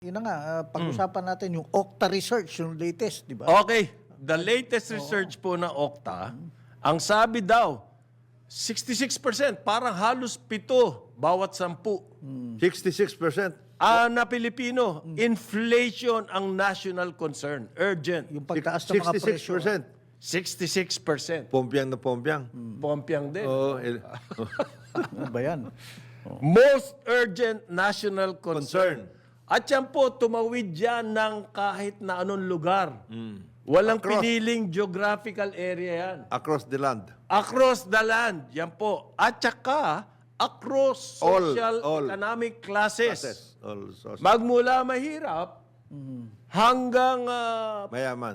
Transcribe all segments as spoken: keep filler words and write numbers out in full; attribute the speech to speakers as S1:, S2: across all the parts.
S1: Yun na nga, ah, pag-usapan natin yung Okta research, yung latest, di ba?
S2: Okay, the latest research po na Okta, ang sabi daw, sixty-six percent, parang halos pito bawat sampu.
S3: sixty-six percent.
S2: Ah, na Pilipino, inflation ang national concern, urgent.
S1: Yung pagtaas ng mga
S3: sixty-six
S1: presyo.
S3: percent.
S2: sixty-six percent.
S3: Pompiang na pompiang.
S2: Pompiang din.
S3: Oo. eh,
S1: Ano ba yan?
S2: Most urgent national concern.
S3: Concern.
S2: At yan po, tumawid yan ng kahit na anong lugar. Walang
S3: Across.
S2: piniling geographical area yan.
S3: Across the land.
S2: Across the land, yan po. At saka, across
S3: All,
S2: social
S3: all.
S2: economic classes.
S3: Process. All social.
S2: Magmula mahirap hanggang ah,
S3: Mayaman.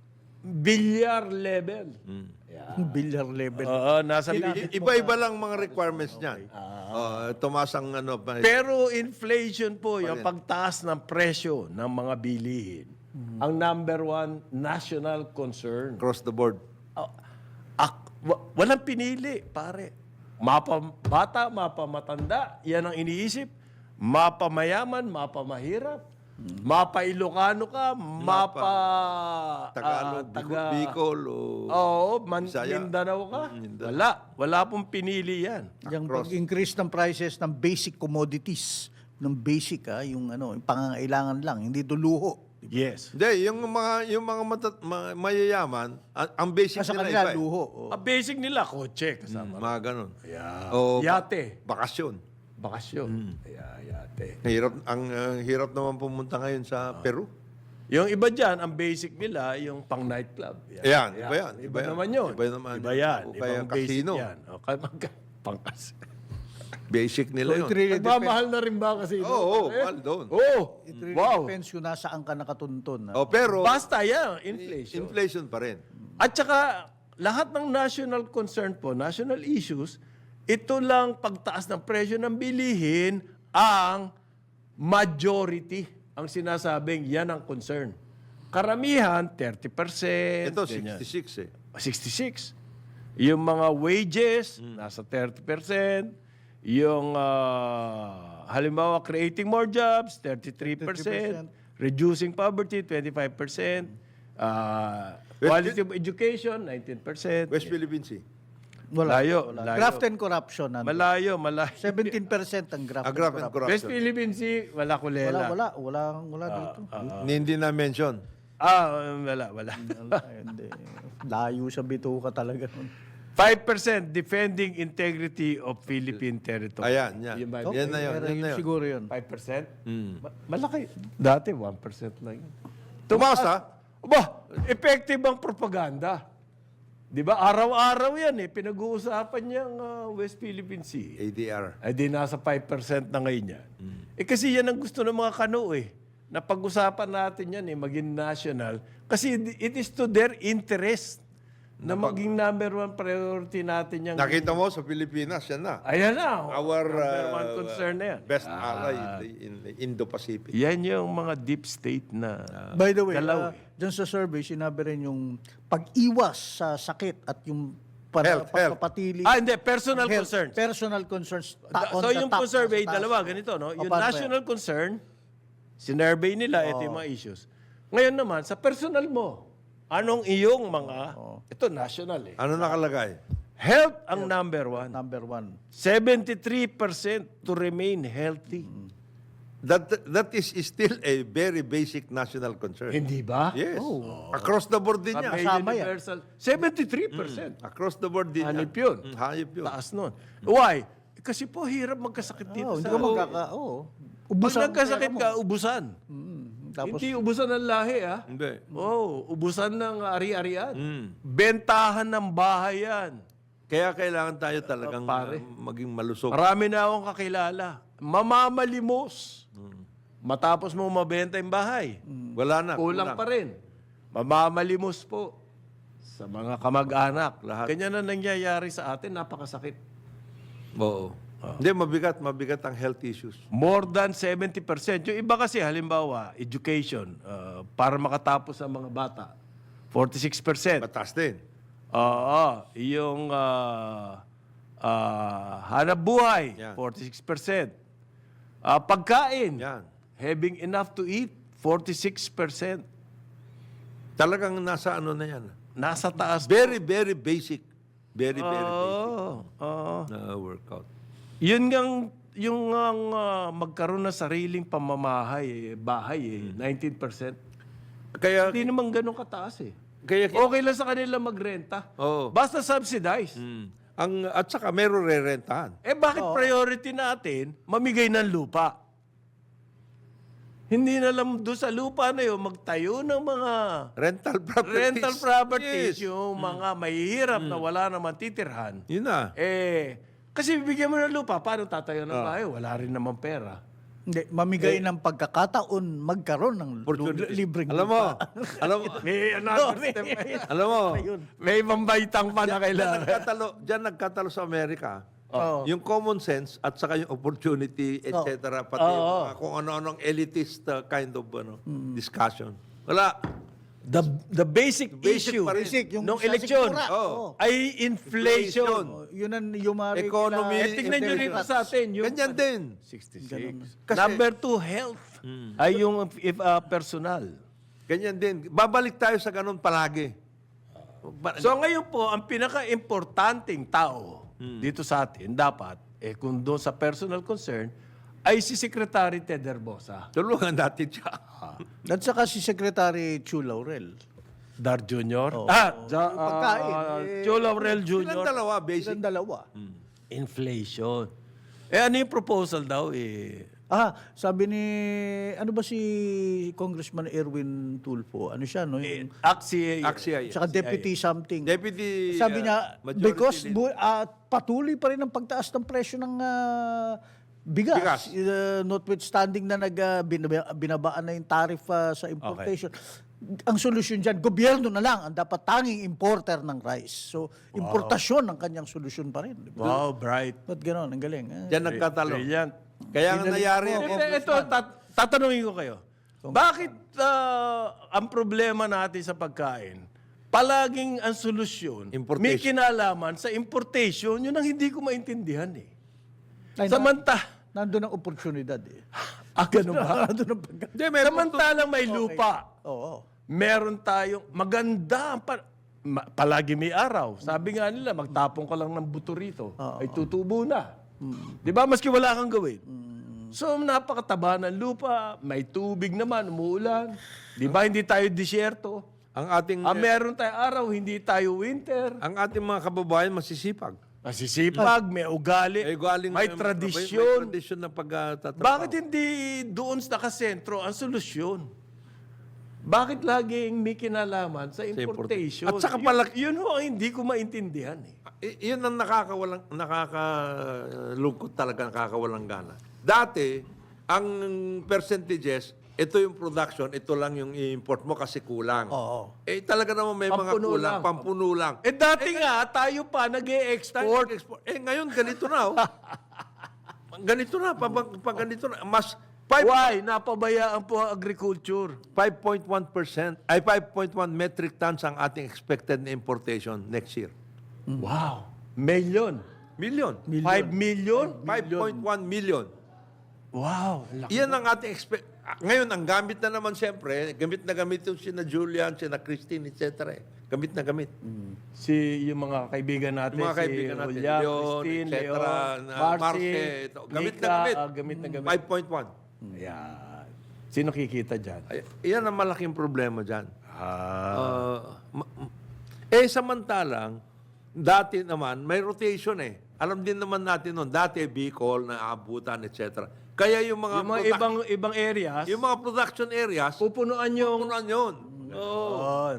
S2: bilyar level.
S1: Bilyar level.
S2: Oo, nasa
S3: I- Iba-iba lang mga requirements niyan. Oh, tumaas ang ano. pa-
S2: Pero inflation po, yung pagtaas ng presyo ng mga bilihin, ang number one national concern.
S3: Across the board.
S2: Ah, ak- wa- walang pinili, pare. Mapa bata, mapa matanda, yan ang iniisip. Mapa mayaman, mapa mahirap. Mapa Ilocano ka, mapa
S3: Tagalog,
S2: ah, taga,
S3: Bicol, o...
S2: Oo, man,
S3: Bisaya.
S2: Mindanao ka.
S3: Mm, Mindanao.
S2: Wala. Wala pong pinili yan.
S1: Yung
S3: Across.
S1: pag-increase ng prices ng basic commodities, ng basic ha, yung ano, yung pangangailangan lang, hindi ito luho.
S2: Yes.
S3: Hindi, yung mga, yung mga matat, ma- mayayaman, ang, ang basic
S1: Sa
S3: nila
S1: kanila,
S3: iba eh.
S1: luho. oh.
S2: Ang basic nila, kotse kasama.
S3: Mga ganun.
S2: Yeah.
S3: O
S2: Yate.
S3: bakasyon.
S2: Bakasyon. Yeah, yate.
S3: Hirap, ang uh, hirap naman pumunta ngayon sa Peru.
S2: Yung iba dyan, ang basic nila, yung pang nightclub.
S3: Ayan, iba yan,
S2: Iba,
S3: iba yan.
S2: naman yun.
S3: Iba naman.
S2: Iba yan.
S3: O kaya
S2: Ibang basic
S3: casino.
S2: yan. O kaya magka- pangkas.
S3: Basic
S1: So
S3: nila
S1: it
S3: yun.
S1: really, depends,
S2: Nagmamahal na rin ba kasi?
S3: Oo, oo, mahal doon.
S2: Oh,
S1: it really
S2: wow.
S1: depends kung nasaan ka nakatuntun. ha?
S3: O pero,
S2: Basta yan, inflation.
S3: inflation pa rin.
S2: At saka, lahat ng national concern po, national issues, ito lang pagtaas ng presyo ng bilihin ang majority ang sinasabing yan ang concern. Karamihan, thirty percent.
S3: Ito,
S2: ganyan.
S3: sixty-six eh.
S2: sixty-six. Yung mga wages, nasa thirty percent. Yung, ah, halimbawa, creating more jobs, thirty-three percent. Reducing poverty, twenty-five percent. Ah, quality of education, nineteen percent.
S3: West Philippine Sea.
S1: Wala.
S2: Malayo,
S1: wala.
S2: malayo.
S1: Graft and corruption. nandun.
S2: Malayo, malayo.
S1: seventeen percent ang graft
S3: Ah,
S1: and
S3: graft and
S1: corruption.
S2: West
S3: corruption.
S2: Philippine Sea, wala
S1: Wala,
S2: kulela.
S1: wala. Wala, wala dito.
S3: Hindi na mention.
S2: Ah, wala, wala.
S1: Wala, hindi. Layo sa bituka talaga. nun.
S2: five percent defending integrity of Philippine territory.
S3: Ayan, yan.
S2: Yun ba?
S3: Yan na yun.
S1: Pero
S3: Yan na yun.
S1: siguro yun.
S2: five percent? Ma- malaki. Dati, one percent lang yun.
S3: Tumaas ha?
S2: Aba, effective ang propaganda. Di ba? Araw-araw yan eh. Pinag-uusapan niyang ah, West Philippine Sea.
S3: A D R.
S2: Ay di nasa five percent na ngayon yan. Eh kasi yan ang gusto ng mga kano eh. Na pag-usapan natin yan eh, maging national. Kasi it is to their interest na maging number one priority natin yan.
S3: Nakita mo sa Pilipinas, yan na.
S2: Ayan na.
S3: Our
S2: number
S3: uh,
S2: one concern na yan.
S3: best ally in the, in the Indo-Pacific.
S2: Yan yung mga deep state na
S1: By the way,
S2: dalaw
S1: uh,
S2: eh.
S1: dyan sa survey, sinabi rin yung pag-iwas sa sakit at yung para,
S3: Health, health.
S1: pagpapatili.
S2: Ah, hindi. Personal
S1: health,
S2: concerns.
S1: Personal concerns. Ta- on
S2: So
S1: the
S2: yung
S1: top,
S2: po survey,
S1: nasa taas.
S2: dalawa, ganito, no?
S1: O,
S2: Yung
S1: paano ba
S2: national concern, sinurvey nila, ito yung mga issues. Ngayon naman, sa personal mo, anong iyong mga, ito national eh.
S3: Ano nakalagay?
S2: Health ang number one.
S1: Number one.
S2: seventy-three percent to remain healthy.
S3: That that is still a very basic national concern.
S2: Hindi ba?
S3: Yes. Across the board din yan.
S2: May
S1: Kasama yan.
S2: universal. seventy-three percent.
S3: Across the board din
S2: Hanip
S3: yan.
S2: yun.
S3: Mm, Hayop yun.
S2: Taas nun. Why? Kasi po, hirap magkasakit dito
S1: Oh, hindi
S2: sa...
S1: ka magkaka... Oo.
S2: Pag
S1: Ubusan ang
S2: nagkasakit
S1: pera mo.
S2: ka, ubusan.
S1: Tapos,
S2: Hindi ubusan ng lahi, ah.
S3: Hindi.
S2: Oh, ubusan ng ari-arian.
S3: Mm.
S2: Bentahan ng bahay yan.
S3: Kaya kailangan tayo talagang
S2: pare.
S3: uh, maging malusog.
S2: Marami na akong kakilala. Mamamalimos. Matapos mo mabenta yung bahay.
S3: Wala na.
S2: Kulang pa rin. Mamamalimos po sa mga kamag-anak.
S3: Lahat.
S2: Ganyan na nangyayari sa atin. Napakasakit.
S3: Oo. Hindi, mabigat. Mabigat ang health issues.
S2: More than seventy percent. Yung iba kasi, halimbawa, education, uh, para makatapos ang mga bata, forty-six percent.
S3: Mataas din.
S2: Oo. Yung uh, uh, hanap buhay,
S3: Yan.
S2: forty-six percent. Uh, pagkain,
S3: Yan.
S2: having enough to eat, forty-six percent.
S3: Talagang nasa ano na yan.
S2: Nasa taas.
S3: Very, very basic. Very, very basic
S2: Oo. oo.
S3: na workout.
S2: Yun ngang, yung ngang, ah, magkaroon ng sariling pamamahay, eh, bahay, eh, nineteen percent.
S3: Kaya,
S2: Hindi naman ganun kataas eh.
S3: kaya,
S2: Okay lang sa kanila magrenta.
S3: Oo.
S2: Basta subsidize.
S3: Mm. ang, at saka meron re-rentahan.
S2: Eh bakit priority natin mamigay ng lupa? Hindi na lang doon sa lupa na yun, magtayo ng mga
S3: Rental properties.
S2: rental properties,
S3: Yes.
S2: yung mga mahihirap na wala naman titirhan.
S3: Yun na.
S2: Eh, kasi bibigyan mo ng lupa, paano tatayo ng bahay? Wala rin naman pera.
S1: Hindi, mamigay ng pagkakataon magkaroon ng lu-
S3: Opportunities.
S1: libreng
S3: Alam mo,
S1: lupa.
S3: alam mo,
S2: May another step pa yun.
S3: alam mo,
S2: May pambaitang pa na
S3: Diyan
S2: kailangan.
S3: nagkatalo, diyan nagkatalo sa Amerika.
S1: Oo.
S3: Yung common sense at saka yung opportunity, et cetera. Pati yung mga kung ano-anong elitist uh, kind of ano, discussion. Wala.
S2: The, the basic,
S3: Basic
S2: issue
S3: pa rin.
S1: Basic, yung
S2: nung
S1: sa
S2: eleksyon
S1: sikmura.
S3: Oo.
S1: Oo.
S2: ay inflation.
S1: Oh, yun ang yung mga
S3: Economy.
S2: Eh, tignan nyo rito sa atin. Yung,
S3: Ganyan din.
S2: sixty-six.
S3: Kasi-
S2: Number two, health. Ay yung if, uh, personal.
S3: Ganyan din. Babalik tayo sa ganun palagi. Ba-
S2: So ngayon po, ang pinaka-importanting tao dito sa atin, dapat, eh kung doon sa personal concern, ay si Secretary Ted Herbosa.
S3: Tulungan natin siya.
S1: At saka si Secretary Chu Laurel.
S2: Dar Junior Ah, ja,
S1: Yung pagkain,
S2: ah,
S1: eh,
S2: Joe Laurel
S3: Silang
S2: Junior
S3: dalawa, basic.
S1: Silang dalawa.
S2: Inflation. Eh ano yung proposal daw eh?
S1: Ah, sabi ni, ano ba si Congressman Erwin Tulfo? Ano siya, no? Yung,
S2: Axie.
S3: Axia.
S1: saka deputy something.
S3: Deputy
S1: Sabi
S3: uh,
S1: niya,
S3: majority
S1: because
S3: leader.
S1: bu- ah, patuloy pa rin ang pagtaas ng presyo ng ah, bigas.
S3: Bigas.
S1: Uh, notwithstanding na nag, ah, binaba- binabaan na yung tariff ah, sa importation. Ang solusyon dyan, gobyerno na lang ang dapat tanging importer ng rice. So, importasyon ang kanyang solusyon pa rin. Di ba?
S2: Wow, bright.
S1: Ba't gano'n? Ang galing. Ah.
S3: Diyan nagkatalo.
S2: Brilliant.
S3: Kaya nga nangyari
S2: Eh,
S3: yung
S2: eh, Ito, tat- tatanungin ko kayo. Bakit ah, ang problema natin sa pagkain, palaging ang solusyon,
S3: Importation.
S2: may kinalaman sa importation, yun ang hindi ko maintindihan eh.
S1: Ay, na-
S2: Samanta,
S1: Nandun ang oportunidad eh.
S2: ah, ganun ba?
S1: Nandun ang pagka...
S3: Hindi, may
S2: Samantalang may lupa,
S1: Oo.
S2: meron tayong maganda, pa, ma- palagi may araw. Sabi nga nila, magtapon ka lang ng buto rito, ay tutubo na. Di ba? Maski wala kang gawin. So, napakataba ng lupa, may tubig naman, umuulan. Di ba? Hindi tayo disyerto.
S3: ang ating
S2: Ah, meron tayong araw, hindi tayo winter.
S3: ang ating mga kababayan masisipag.
S2: Masisipag, may ugali,
S3: Eh, galing
S2: may
S3: May
S2: tradisyon.
S3: tradisyon na pagtatrabaho.
S2: Bakit hindi doon nakasentro ang solusyon? Bakit laging may kinalaman sa importation?
S3: At saka
S2: Yun-
S3: pala-
S2: Yun, ho ang hindi ko maintindihan eh.
S3: I- yun ang nakakawalang nakakalungkot talaga, nakakawalang gana. Dati, ang percentages, ito yung production, ito lang yung i-import mo kasi kulang.
S1: Oo.
S3: Eh talaga naman may mga
S2: Pampuno
S3: kulang,
S2: lang.
S3: pampuno lang.
S2: Eh dati nga, tayo pa nag-e-export.
S3: Export. Eh ngayon ganito na oh. ganito na, pag, pag ganito na, mas five-
S2: Why? Napabayaan po ang agriculture.
S3: five point one percent, ay five point one metric tons ang ating expected na importation next year.
S2: Wow. Million.
S3: Million.
S2: Five million?
S3: five point one million.
S2: Wow. Laki.
S3: Iyan ang ating expect. Ngayon, ang gamit na naman siyempre, gamit na gamit yung sina Julian, sina Christine, et cetera. eh. Gamit na gamit.
S2: Si yung mga kaibigan natin,
S3: Yung mga
S2: si
S3: kaibigan natin,
S2: William,
S3: Leon,
S2: Christine,
S3: et cetera,
S2: Leon,
S3: na
S2: Marcy,
S3: Marce, ito. Gamit na
S2: Nika,
S3: gamit.
S2: ah, gamit na gamit.
S3: five point one.
S2: Ayan. Sino kikita dyan?
S3: Ay, iyan ang malaking problema dyan.
S2: Ah.
S3: Uh, ma- m- eh, samantalang, dati naman, may rotation eh. Alam din naman natin noon, dati Bicol, naabutan, et cetera. Kaya yung mga,
S2: yung mga
S3: produc-
S2: ibang ibang areas,
S3: yung mga production areas,
S2: pupunuan yung...
S3: pupunan yun. Oo.
S2: Yun.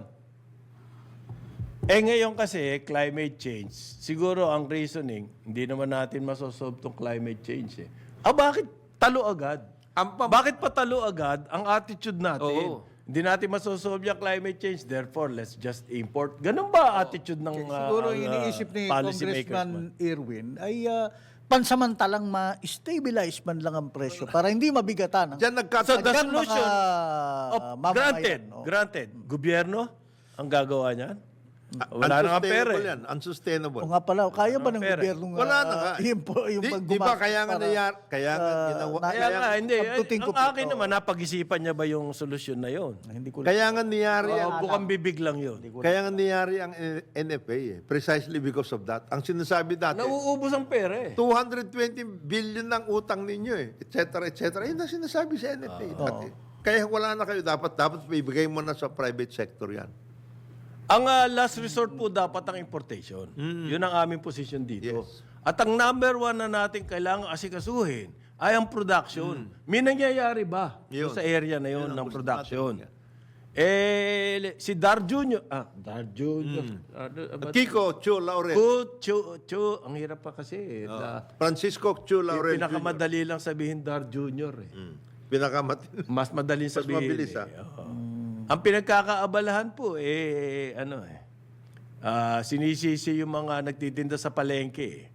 S2: Eh ngayon kasi, climate change, siguro ang reasoning, hindi naman natin masosolve tong climate change eh. Ah, bakit talo agad?
S3: Ang pam-
S2: Bakit pa talo agad ang attitude natin?
S3: Oo.
S2: Hindi natin masosolve yung climate change, therefore let's just import. Ganun ba attitude ng uh,
S1: Siguro
S2: ang, uh,
S1: iniisip ni
S2: policymakers
S1: Congressman
S2: man?
S1: Irwin ay ah, pansamantalang ma-stabilize man lang ang presyo para hindi mabigatan. ang-
S3: Diyan nagkat-
S2: So the
S1: Diyan
S2: solution,
S1: mga
S2: of,
S1: mamamayan,
S2: granted,
S1: no?
S2: granted, gobyerno ang gagawa niyan? Wala na nga pera
S3: Unsustainable
S2: eh.
S3: yan. Unsustainable.
S1: O nga pala, kaya ba ng
S2: pera.
S1: gobyerno nga,
S3: Wala na nga.
S1: yung, yung
S3: Di,
S1: paggumastos
S3: di ba kaya nga
S1: para,
S3: nayar, kaya nga
S1: ah,
S3: ginawa,
S1: na-
S2: Kaya nga, hindi. Ay,
S1: Pagtuting ko
S2: ang
S1: po,
S2: akin
S1: oo.
S2: naman, napag-isipan niya ba yung solusyon na yon?
S1: hindi ko
S3: kaya nga niyari
S2: Oo,
S3: ang,
S2: bukang bibig lang yun.
S3: kaya nga niyari ang N F A eh. Precisely because of that. Ang sinasabi dati,
S2: Nauubos ang pera eh.
S3: two hundred twenty billion ng utang ninyo eh, et cetera, et cetera. Yun ang sinasabi sa N F A. dati. Kaya wala na kayo, dapat dapat ibigay mo na sa private sector yan.
S2: Ang ah, last resort po dapat ang importation. Yun ang aming position dito.
S3: Yes.
S2: At ang number one na natin kailangan asikasuhin ay ang production. May nangyayari ba
S3: Yun.
S2: sa area na yun,
S3: Yun ang
S2: ng
S3: gusto
S2: production?
S3: natin.
S2: Eh, le- si Dar Junior, ah, Dar Junior. Ano, ba-
S3: Kiko Chu Laurel.
S2: Chu, Chu, Chu, ang hirap pa kasi. eh. Da-
S3: Francisco Chu Laurel.
S2: eh, pinakamadali lang sabihin Dar Junior eh.
S3: Mm. Pinakamat.
S2: Mas madaling
S3: Mas
S2: sabihin.
S3: mabilis,
S2: eh.
S3: ah.
S2: Oo. Ang pinagkakaabalahan po, eh, ano eh, ah, sinisisi yung mga nagtitinda sa palengke. eh.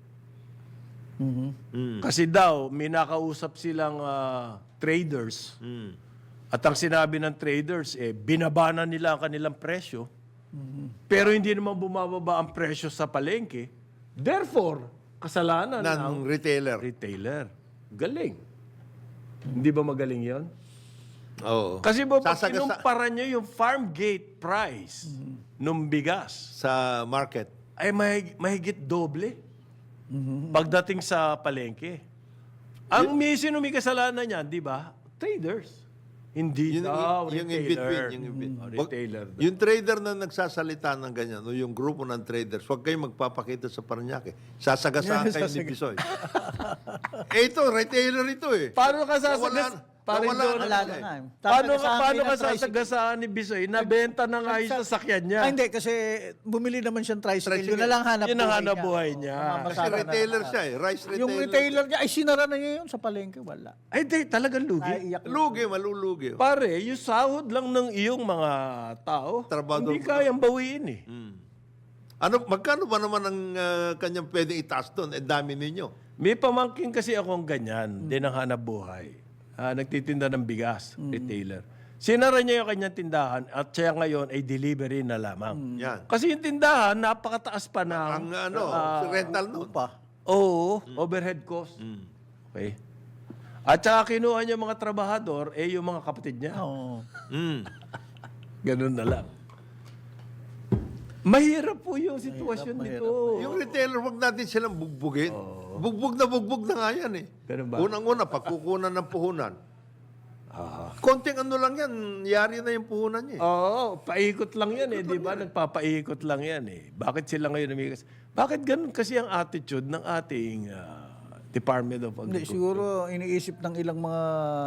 S3: Mm.
S2: Kasi daw, may nakausap silang ah, traders.
S3: Mm.
S2: At ang sinabi ng traders, eh, binabana nila ang kanilang presyo. Pero hindi naman bumababa ang presyo sa palengke. Therefore, kasalanan
S3: Ng
S2: ng
S3: retailer.
S2: retailer. Galing. Hindi ba magaling yon?
S3: Oo.
S2: Kasi ba, pag
S3: Sasagasa-
S2: kinumpara nyo yung farm gate price nung bigas,
S3: sa market.
S2: ay mahig- mahigit doble pagdating sa palengke. Ang may sino may kasalanan niyan, di ba? Traders. Hindi
S3: Yun,
S2: daw,
S3: yung in
S2: retailer.
S3: between. Yung, in between.
S2: Oh,
S3: Wag-
S2: retailer. daw.
S3: yung trader na nagsasalita ng ganyan, o yung grupo ng traders, huwag kayong magpapakita sa Paranaque. Sasagasaan kayo ni Bisoy. eh ito, retailer ito eh.
S2: Paano ka sasagas?
S3: Nawala-
S2: Parin
S3: nawala
S2: doon.
S3: na
S1: Wala
S3: sila
S1: na
S3: eh.
S1: nga. eh.
S2: Paano ka,
S1: Sasagasaan
S2: paano
S1: kayo
S2: ka
S1: ng tricycle.
S2: sasagasaan ni Bisoy? Nabenta na nga yung sasakyan niya.
S1: Ah, hindi, kasi bumili naman siyang tricycle. Yun na lang hanap
S2: Yun ang hanap buhay niya.
S3: Kasi retailer siya eh. Rice retailer.
S1: Yung retailer niya, ay sinara na niya yun sa palengke. Wala.
S2: Ay, di, talagang lugi.
S1: Naiiyak.
S3: Lugi, malulugi. oh.
S2: Pare, yung sahod lang ng iyong mga tao,
S3: Trabador
S2: hindi
S3: mo.
S2: kayang bawiin eh.
S3: Mm. Ano, magkano ba naman ang ah, kanyang pwedeng itaas doon? Eh, dami ninyo.
S2: May pamangkin kasi akong ganyan, din ang hanap buhay. Ah, nagtitinda ng bigas, retailer. Sinara niya yung kanyang tindahan at siya ngayon ay delivery na lamang.
S3: Yan.
S2: Kasi yung tindahan, napakataas pa ng...
S3: Ang ano, rental noon.
S1: Pa.
S2: Oo, overhead cost. Okay. At saka kinuha niya mga trabahador, eh yung mga kapatid niya.
S1: Oo.
S3: Mm.
S2: Ganun na lang. Mahirap po yung sitwasyon nito.
S3: Yung retailer, wag natin silang bugbugin. Bugbog na bugbog na nga yan eh.
S2: Ganun ba?
S3: Unang-una, pagkukunan ng puhunan. Konting ano lang yan, yari na yung puhunan niya eh.
S2: Oo, paikot lang yan eh, di ba? Nagpapaikot lang yan eh. Bakit sila ngayon umigas? Bakit ganun kasi ang attitude ng ating ah, Department of
S1: Hindi,
S2: Agriculture?
S1: siguro iniisip ng ilang mga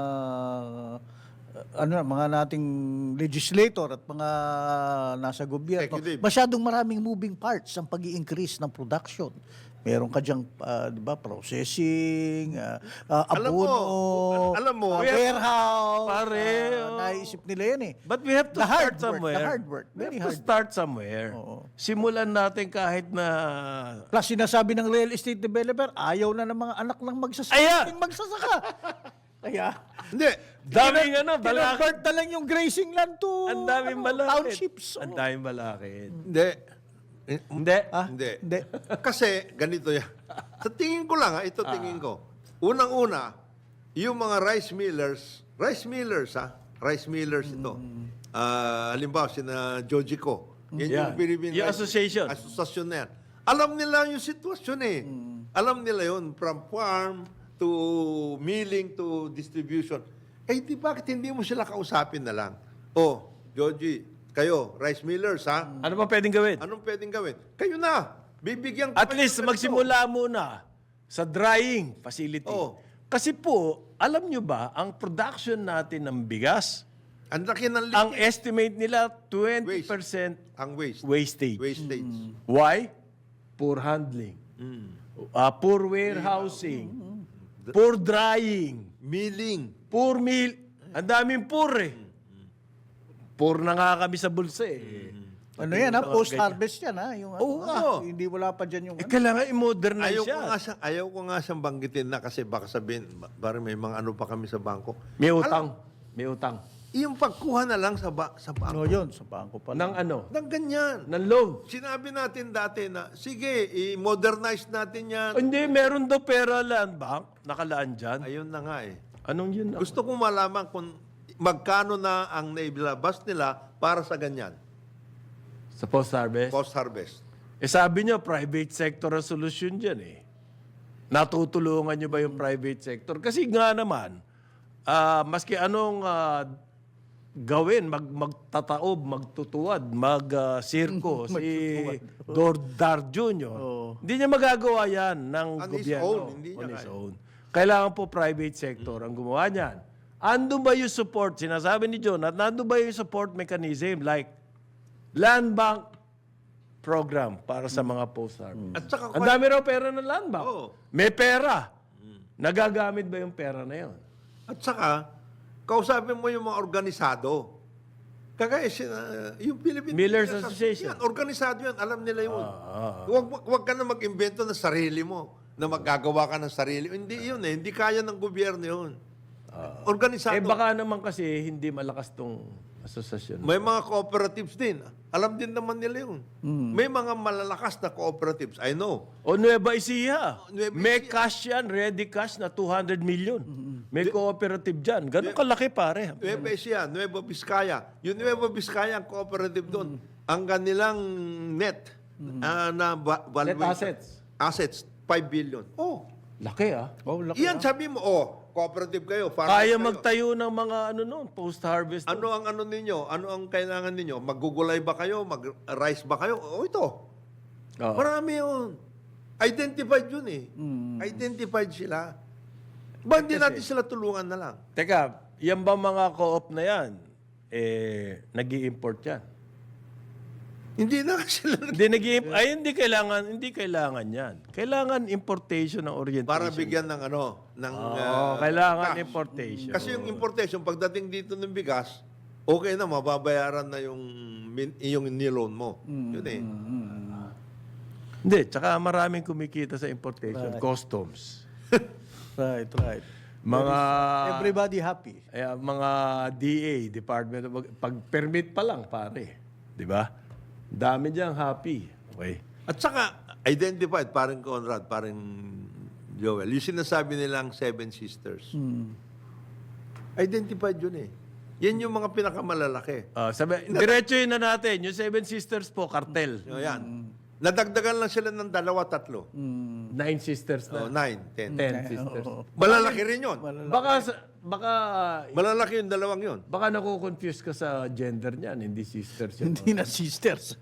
S1: uh, ano mga nating legislator at mga nasa gobyerno.
S3: Executive.
S1: Masyadong maraming moving parts ang pag-i-increase ng production. Meron ka diyang, ah, di ba, processing, uh,
S3: Alam mo,
S1: abono,
S3: alam mo,
S1: ah,
S3: we have-
S1: warehouse.
S2: Pare,
S1: ah,
S2: oh.
S1: naisip nila yan eh.
S2: But we have
S1: The
S2: to
S1: hard
S2: start
S1: work,
S2: somewhere.
S1: the hard work,
S2: We
S1: very
S2: have to
S1: hard.
S2: start somewhere. Simulan natin kahit na...
S1: Plus, sinasabi ng real estate developer, ayaw na ng mga anak ng magsasaka.
S2: Ayan!
S1: Yung magsasaka. Kaya,
S3: Hindi.
S2: Daming ano, balakid.
S1: kinonvert na lang yung grazing land to
S2: Ang daming
S1: ano,
S2: balakid.
S1: townships.
S2: Ang daming balakid.
S3: Hindi. Eh,
S2: Hindi.
S1: Ah,
S3: Hindi.
S1: hindi.
S3: Kasi, ganito yan. Sa tingin ko lang, ha, ito tingin ko. Unang-una, yung mga rice millers, rice millers ha, rice millers ito. Ah, halimbawa, sina Jojico. Yan
S2: Yeah.
S3: yung Philippine
S2: Yung
S3: Rice-
S2: association.
S3: Association na yan. Alam nila yung sitwasyon eh. Alam nila yun, from farm to milling to distribution. Eh, di bakit hindi mo sila kausapin na lang? Oh, Joji, kayo, rice millers ha?
S2: Ano pa pwedeng gawin?
S3: Anong pwedeng gawin? Kayo na. Bibigyan ko
S2: At
S3: kayo
S2: least
S3: ng ganito.
S2: magsimula muna sa drying facility.
S3: Oo.
S2: Kasi po, alam nyo ba, ang production natin ng bigas,
S3: Ang laki ng
S2: ang
S3: leakage.
S2: estimate nila twenty percent
S3: Ang waste.
S2: wastage.
S3: Wastage.
S2: Why? Poor handling. Ah, poor warehousing. Poor drying.
S3: Milling.
S2: Poor meal. Ang daming poor eh. Poor na nga kami sa bulsa eh.
S1: Ano yan ha? Post-harvest yan ha? Yung, ano,
S2: Oo,
S1: ha?
S2: oo.
S1: Hindi wala pa dyan yung
S2: Eh,
S1: ano.
S2: kailangan i-modernize
S3: Ayaw ko
S2: siya.
S3: nga siyang, ayaw ko nga siyang banggitin na kasi baka sabihin, ba- bari may mga ano pa kami sa bangko.
S2: May utang. May utang.
S3: yung pagkuha na lang sa, ba, sa
S1: Ano
S3: bangko.
S1: yun? Sa bangko pa
S2: Ng
S1: lang.
S2: ano?
S3: Nang ganyan.
S2: Ng loan.
S3: Sinabi natin dati na, sige, i-modernize natin yan.
S2: Hindi, meron daw pera land bank. Nakalaan dyan.
S3: Ayun na nga eh.
S2: Anong yun?
S3: Gusto kong malaman kung magkano na ang naibilabas nila para sa ganyan.
S2: Sa post-harvest?
S3: Post-harvest.
S2: Eh sabi nyo, private sector ang solusyon dyan eh. Natutulungan nyo ba yung private sector? Kasi nga naman, ah, maski anong ah, gawin, mag, magtataob, magtutuwad, mag-sirko, si Dordar Junior Hindi niya magagawa yan ng
S3: On his
S2: gobyerno.
S3: own, hindi niya
S2: On his
S3: kaya.
S2: own. Kailangan po private sector ang gumawa niyan. Ando ba yung support? Sinasabi ni John, at nando ba yung support mechanism like land bank program para sa mga post-harvest?
S3: At saka,
S2: Ang dami raw pera ng land bank.
S3: Oo.
S2: May pera. Nagagamit ba yung pera na yun?
S3: at saka, kausapin mo yung mga organisado. Kagaya, sina- yung Philippine
S2: Millers
S3: Teachers
S2: Association.
S3: Yan, organisado yan, alam nila yun.
S2: Ah,
S3: Huwag, huwag- huwag ka na mag-invento ng sarili mo, na magagawa ka ng sarili. Hindi yun eh, hindi kaya ng gobyerno yun. Organisado.
S2: Eh baka naman kasi hindi malakas tong asosasyon.
S3: May mga cooperatives din. Alam din naman nila yun. May mga malalakas na cooperatives. I know.
S2: O Nueva Ecija.
S3: Nueva
S2: May cash yan, ready cash na two hundred million. May cooperative dyan. Ganun kalaki pare.
S3: Nueva Ecija, Nueva Vizcaya. Yung Nueva Vizcaya, ang cooperative doon, ang kanilang net ah, na va-
S2: Net
S3: valuation-
S2: assets.
S3: Assets, five billion. Oh,
S2: Laki ah.
S1: Oh, laki,
S3: iyan sabi mo, oh, cooperative kayo. farmers
S2: Kaya
S3: kayo.
S2: magtayo ng mga ano noon, post-harvest.
S3: Ano ang ano ninyo? Ano ang kailangan ninyo? Maggugulay ba kayo? Mag-rice ba kayo? O ito.
S2: Oo.
S3: Marami yun. Identified yun eh. Identified sila. Ba hindi natin sila tulungan na lang?
S2: Teka, yan ba mga co-op na yan? Eh, nag import yan.
S3: Hindi na sila nag-
S2: Hindi nag ay hindi kailangan, hindi kailangan yan. Kailangan importation ng orientation.
S3: para bigyan ng ano, ng
S2: Oo,
S3: ah,
S2: kailangan
S3: cash.
S2: importation.
S3: Kasi yung importation, pagdating dito ng bigas, okay na, mababayaran na yung, min- yung niloan mo. Yun eh.
S2: Hindi, tsaka maraming kumikita sa importation. Customs.
S1: Right, right.
S2: Mga
S1: Everybody happy.
S2: eh, mga D A, Department of pag permit pa lang pare, 'di ba? Dami diyang happy. Okay.
S3: At saka, identified, parang Conrad, parang Joel, yung sinasabi nilang Seven Sisters. Identified yun eh. Yan yung mga pinakamalalaki.
S2: Ah, sabi, diretsuhin na natin, yung Seven Sisters po, cartel.
S3: O yan. Nadagdagan lang sila ng dalawa, tatlo.
S2: Nine sisters
S3: O,
S2: na.
S3: nine, ten.
S2: Ten sisters.
S3: Malalaki rin yun.
S2: Baka sa- baka
S3: Malalaki yung dalawang yun.
S2: baka nako-confuse ka sa gender niyan, hindi sisters yun.
S1: Hindi na sisters.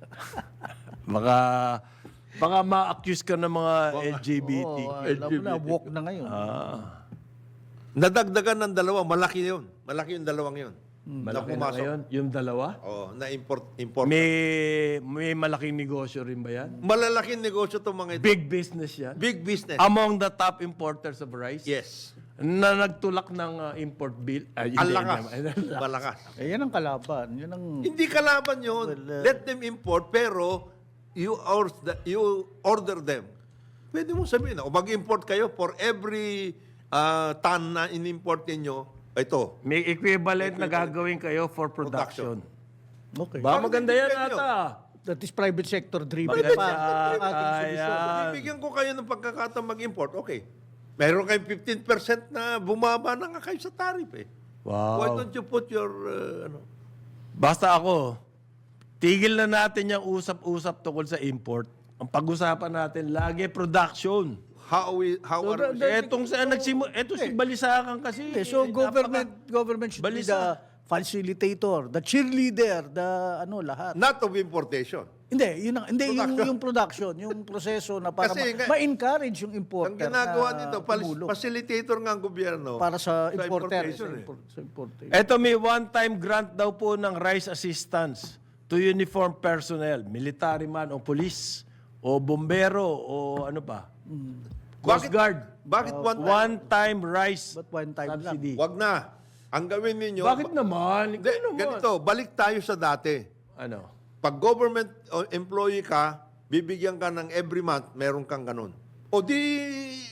S2: Baka baka ma-accuse ka ng mga L G B T.
S1: Oo, alam mo na, walk na ngayon.
S2: Ah.
S3: Nadagdagan ng dalawa, malaki yun. Malaki yung dalawang yun.
S2: Malaki na
S3: pumasok.
S2: ngayon, yung dalawa.
S3: Oo, na-import. Import.
S2: May may malaking negosyo rin ba yan?
S3: Malalaking negosyo itong mga ito.
S2: Big business yan.
S3: Big business.
S2: Among the top importers of rice.
S3: Yes.
S2: Na nagtulak ng uh, import bill. Ay,
S3: Ang
S2: hindi
S3: lakas.
S2: naman.
S3: Malakas.
S1: Eh, yan ang kalaban. Yan ang...
S3: Hindi kalaban yun.
S1: Well, uh,
S3: Let them import, pero you, order, you order them. Pwede mo sabihin, o mag-import kayo for every uh, ton na in-import ninyo, ito,
S2: May equivalent na gagawin kayo for production.
S1: Okay.
S2: Ba, maganda yan
S3: Bakit
S2: ata.
S1: That is private sector driven
S2: Maganda
S1: pa.
S2: yan.
S1: ang ating
S2: Kaya.
S1: solusyon.
S3: bibigyan ko kayo ng pagkakataon mag-import, okay. Meron kayong fifteen percent na bumaba na nga kayo sa tariff eh. Why
S2: Wow.
S3: don't you put your, uh, ano,
S2: Basta ako, tigil na natin yung usap-usap tungkol sa import. Ang pag-usapan natin, lagi production.
S3: how we, how
S1: So,
S3: are we,
S1: the-
S2: Etong sa nagsimu, eto si Balisakan kasi.
S1: Okay, so
S2: eh,
S1: government government should be
S2: Balisa.
S1: the facilitator, the cheerleader, the ano lahat.
S3: not of importation.
S1: Hindi, yun ang, hindi yung
S3: Production.
S1: yung production, yung proseso na para
S3: Kasi nga-
S1: ma- ma-encourage yung
S3: Ang
S1: importer.
S3: ginagawa
S1: na
S3: nito, pal-
S1: tumulong
S3: facilitator nga ang gobyerno.
S1: para sa importer.
S3: importation
S1: Sa,
S3: eh.
S1: import, sa importer.
S2: Eto may one-time grant daw po ng rice assistance to uniform personnel, military man o police o bombero o ano pa. Coast
S3: Bakit-
S2: Guard.
S3: Bakit one time?
S2: One-time rice
S1: But one time lang.
S2: subsidy.
S3: Wag na. Ang gawin ninyo,
S2: Bakit naman?
S3: Hindi,
S2: Ikaw naman.
S3: ganito, balik tayo sa dati.
S2: Ano?
S3: Pag government o employee ka, bibigyan ka ng every month, meron kang ganun. O di,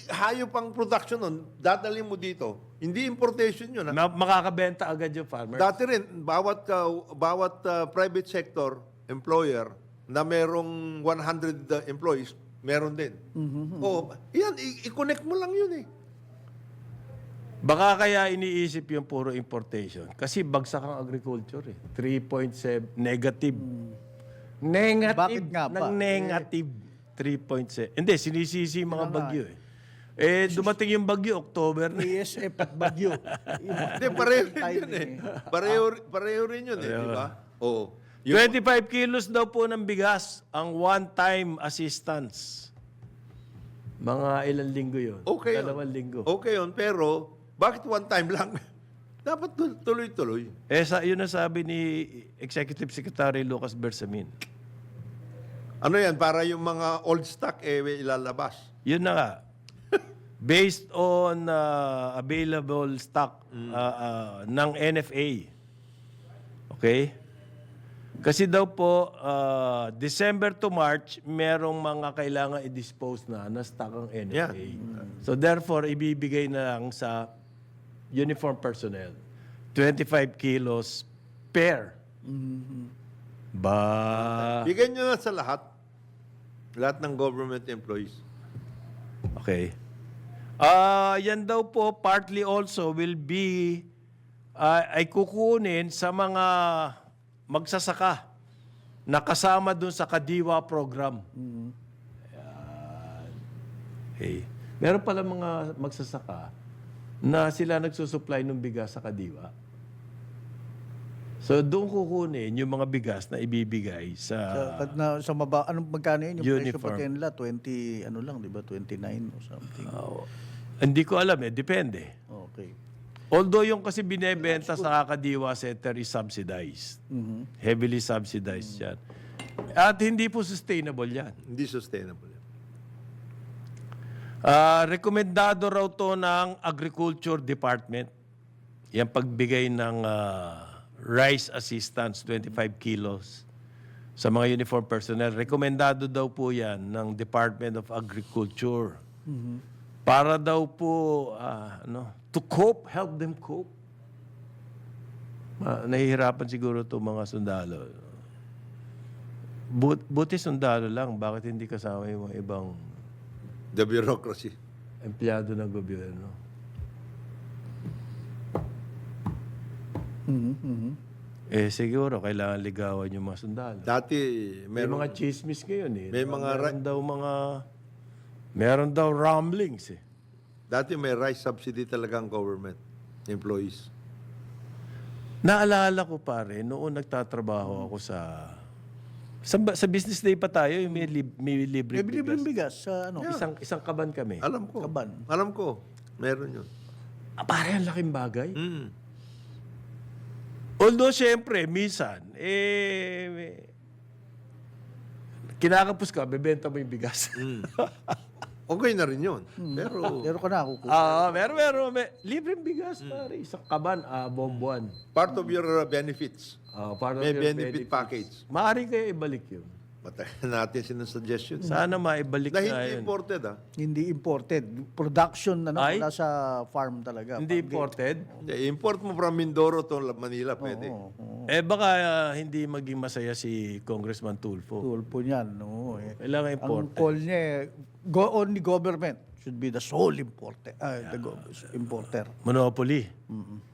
S3: hayop ang production nun, dadalhin mo dito. Hindi importation yun. Ha?
S2: Ma- makakabenta agad yung farmer.
S3: Dati rin, bawat, ka- bawat uh, private sector employer na merong one hundred uh, employees, meron din. Oo, yan, i- i-connect mo lang yun eh.
S2: Baka kaya iniisip yung puro importation. Kasi bagsak ang agriculture eh. three point seven, negative. Negative.
S1: Bakit nga ba?
S2: Ng negative. three point seven. Hindi, sinisisi yung mga bagyo eh. Eh, dumating yung bagyo, October na.
S1: A S F at Bagyo.
S3: Hindi, pareho rin yun eh. Pareho, pareho rin yun eh, di ba? Oo. Yung-
S2: twenty-five kilos daw po ng bigas ang one-time assistance. Mga ilang linggo yun?
S3: Okay yun.
S2: Dalawang linggo.
S3: Okay yun, pero bakit one time lang? Dapat tul- tuloy-tuloy.
S2: Eh, sa, yun ang sabi ni Executive Secretary Lucas Bersamin.
S3: Ano yan, para yung mga old stock eh ilalabas.
S2: Yun na nga. Based on uh, available stock uh, uh, ng N F A. Okay? Kasi daw po, uh, December to March, merong mga kailangan i-dispose na na stock ang N F A.
S3: Yeah.
S2: So therefore, ibibigay na lang sa uniform personnel. twenty-five kilos per. Ba...
S3: Bigyan nyo na sa lahat. Lahat ng government employees.
S2: Okay. Ah, yan daw po partly also will be ah, ay kukunin sa mga magsasaka na kasama dun sa Kadiwa program. Ayan. Okay. Meron pala mga magsasaka na sila nagsusupply ng bigas sa Kadiwa. So doon kukunin yung mga bigas na ibibigay
S1: Sa,
S2: sa
S1: pag na, sa maba, anong magkano yun? Yung presyo
S2: Uniform.
S1: pati nila, twenty, ano lang, di ba? twenty-nine or something.
S2: Oh, hindi ko alam eh, depende.
S1: Okay.
S2: Although yung kasi binebenta sa Kakadiwa Center is subsidized.
S1: Mhm.
S2: Heavily subsidized yan. At hindi po sustainable yan.
S3: Hindi sustainable. yan.
S2: Ah, rekomendado raw to ng Agriculture Department. Yan pagbigay ng ah, rice assistance, twenty-five kilos sa mga uniform personnel. Rekomendado daw po yan ng Department of Agriculture. Para daw po, ah, ano, to cope, help them cope. Ah, nahihirapan siguro itong mga sundalo. But, buti sundalo lang, bakit hindi kasama yung mga ibang
S3: The bureaucracy.
S2: empleyado ng gobyerno?
S1: Mhm, mhm.
S2: Eh, siguro, kailangan ligawan yung mga sundalo.
S3: Dati,
S2: May
S3: meron,
S2: mga chismis ngayon eh.
S3: May mga
S2: meron daw mga... Meron daw rumblings eh.
S3: dati may rice subsidy talaga ang government employees.
S2: Naalala ko pare, noon nagtatrabaho ako sa... Sa, sa business day pa tayo, yung may, lib, may libre
S1: May bilibreng
S2: bigas.
S1: bigas sa ano?
S2: Isang, isang kaban kami.
S3: Alam ko.
S1: Kaban.
S3: Alam ko. Meron yun.
S2: Ah, pare, ang laking bagay.
S3: Mm.
S2: Although, syempre, minsan, eh, kinakapos ka, bebenta mo yung bigas.
S3: Mm. Okay na rin yun. Pero
S1: Pero ka na, kukuha.
S2: Ah, meron, meron. May, libreng bigas, pare. Isang kaban, ah, buwan-buwan.
S3: part of your uh, benefits.
S2: Ah, para
S3: May
S2: your
S3: benefit
S2: benefits.
S3: package.
S2: Maaari kayo ibalik yun.
S3: Matagal natin sinasuggestion.
S2: Sana maibalik
S3: Na
S2: na
S3: hindi
S2: yun.
S3: imported ah.
S1: Hindi imported. Production na
S2: Ay?
S1: wala sa farm talaga.
S2: Hindi
S1: Pag-
S2: imported.
S3: Hindi, import mo from Mindoro to Manila, pwede.
S1: Oo, oo.
S2: Eh baka ah, hindi maging masaya si Congressman Tulfo.
S1: Tulpo niyan. No, eh.
S2: Kailangan
S1: Ang
S2: imported.
S1: call niya, eh, go only government should be the sole importer. ah, the go- importer.
S2: Monopoly.
S1: Mhm.